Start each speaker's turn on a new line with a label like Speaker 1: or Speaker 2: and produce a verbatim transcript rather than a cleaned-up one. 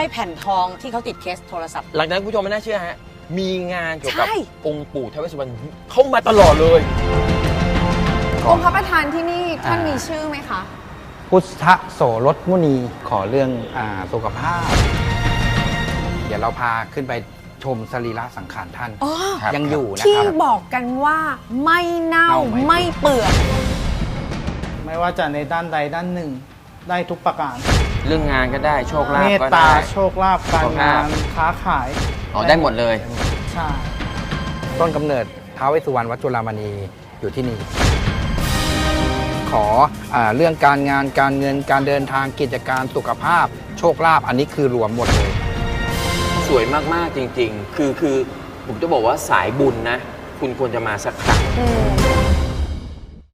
Speaker 1: แผ่นทองที่เขาติดเคสโทรศัพท์
Speaker 2: หลังจากนั้นคุณผู้ชมไม่น่าเชื่อฮะมีงานเกี่ยวกับองค์ปู่ท้าวเวสสุวรรณเข้ามาตลอดเลย
Speaker 3: องค์พระประธานที่นี่ท่านมีชื่อไหมคะ
Speaker 4: พุทธโสรสมุนีขอเรื่องอ่าสุขภาพเดี๋ยวเราพาขึ้นไปชมสรีระสังขารท่านยังอยู่นะ
Speaker 3: ที่
Speaker 4: ครับ
Speaker 3: บอกกันว่าไม่เน่าไม่เปื่อย
Speaker 5: ไม่ว่าจะในด้านใดด้านหนึ่งได้ทุกประการ
Speaker 2: เรื่องงานก็ได้โชคลาภก็ได้
Speaker 5: เมตตาโชคลาภการงานค้าขาย
Speaker 2: อ๋อได้หมดเลย
Speaker 5: ใช่
Speaker 4: ต้นกำเนิดท้าวเวสสุวรรณวัดจุฬามณีอยู่ที่นี่ขออ่าเรื่องการงานการเงินการเดินทางกิจการสุขภาพโชคลาภอันนี้คือรวมหมดเลย
Speaker 2: สวยมากๆจริงๆคือคือผมจะบอกว่าสายบุญนะคุณควรจะมาสักครั้ง